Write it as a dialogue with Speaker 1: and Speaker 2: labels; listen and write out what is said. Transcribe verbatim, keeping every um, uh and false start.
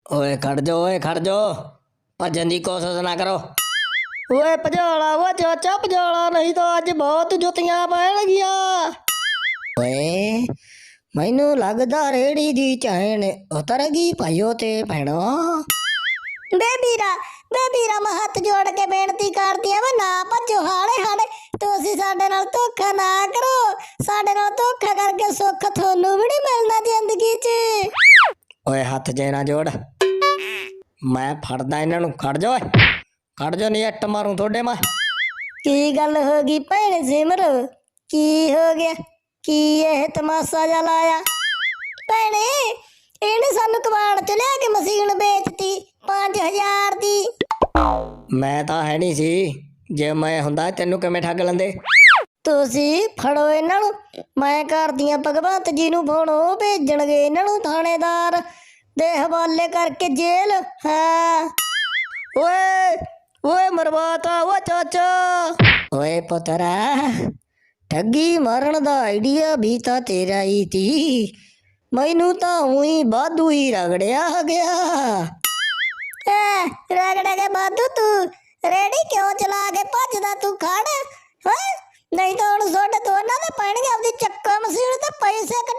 Speaker 1: ਓਏ ਖੜ ਜਾ ਓਏ ਖੜ ਜਾ ਭੱਜਣ ਦੀ ਕੋਸ਼ਿਸ਼ ਨਾ ਕਰੋ। ਓਏ ਭਜੋਲਾ ਓ ਚਾਚਾ ਭਜੋਲਾ ਨਹੀਂ ਤਾਂ ਅੱਜ ਬਹੁਤ ਜੁੱਤੀਆਂ ਪੈਣਗੀਆਂ। ਓਏ ਮੈਨੂੰ ਲੱਗਦਾ ਰੇੜੀ ਦੀ ਚੈਨ ਉਤਰ ਗਈ ਭਾਈਓ ਤੇ ਭੈਣੋ।
Speaker 2: ਬੇ ਵੀਰਾ ਬੇ ਵੀਰਾ ਮੈਂ ਹੱਥ ਜੋੜ ਕੇ ਬੇਨਤੀ ਕਰਦੀ ਆ ਵੇ ਨਾ ਭੱਜੋ ਹਾਲੇ ਹਾਲੇ। ਤੁਸੀਂ ਸਾਡੇ ਨਾਲ ਧੋਖਾ ਨਾ ਕਰੋ, ਸਾਡੇ ਨਾਲ ਧੋਖਾ ਕਰਕੇ ਸੁੱਖ ਤੁਹਾਨੂੰ ਵੀ ਨਹੀਂ ਮਿਲਣਾ ਜ਼ਿੰਦਗੀ 'ਚ।
Speaker 1: ਓਏ ਹੱਥ ਜੇ ਨਾ ਜੋੜ, ਮੈਂ ਫੜਦਾ ਇਹਨਾਂ ਨੂੰ। ਖੜ ਜਾ ਓਏ ਖੜ ਜਾ ਨਹੀਂ ਇੱਟ ਮਾਰੂ ਤੁਹਾਡੇ ਮੈਂ।
Speaker 2: ਕੀ ਗੱਲ ਹੋ ਗਈ ਭੈਣ ਸਿਮਰ, ਕੀ ਹੋ ਗਿਆ? ਕੀ ਇਹ ਤਮਾਸ਼ਾ ਜਿਹਾ ਲਾਇਆ? ਭੈਣੇ ਇਹਨੇ ਸਾਨੂੰ ਕਬਾੜ ਚ ਲਿਆ ਕੇ ਮਸ਼ੀਨ ਵੇਚਤੀ ਪੰਜ ਹਜ਼ਾਰ ਦੀ।
Speaker 1: ਮੈਂ ਤਾਂ ਹੈ ਨਹੀਂ ਸੀ, ਜੇ ਮੈਂ ਹੁੰਦਾ ਤੈਨੂੰ ਕਿਵੇਂ ਠੱਗ ਲੈਂਦੇ।
Speaker 2: ਤੁਸੀਂ ਫੜੋ ਇਹਨਾਂ ਨੂੰ, ਮੈਂ ਕਰਦੀ ਆ ਭਗਵੰਤ ਜੀ ਨੂੰ ਫੋਨ, ਉਹ ਭੇਜਣਗੇ ਇਹਨਾਂ ਨੂੰ ਥਾਣੇਦਾਰ ਦੇ ਹਵਾਲੇ ਕਰਕੇ ਜੇਲ੍ਹ। ਹਾਂ
Speaker 1: ਓਏ ਓਏ ਮਰਵਾਤਾ ਓ ਚਾਚਾ। ਓਏ ਪੁੱਤਰਾ ਠੱਗੀ ਮਾਰਨ ਦਾ ਆਈਡੀਆ ਵੀ ਤਾਂ ਤੇਰਾ ਹੀ ਤੀ, ਮੈਨੂੰ ਤਾਂ ਉਹੀ ਵਾਧੂ ਹੀ ਰਗੜਿਆ ਗਿਆ।
Speaker 2: ਐ ਰਗੜਾ ਕੇ ਬਾਦੂ ਤੂੰ ਰੇੜੀ ਕਿਉਂ ਚਲਾ ਕੇ ਭੱਜਦਾ? ਤੂੰ ਖੜ ਹੈ, ਨਹੀਂ ਤਾਂ ਹੁਣ ਸੁੱਟ ਦੋਨਾਂ ਦੇ ਪੈਣਗੇ ਆਪਦੀ ਚੱਕਾ ਮਸ਼ੀਨ ਤੇ ਪੈਸੇ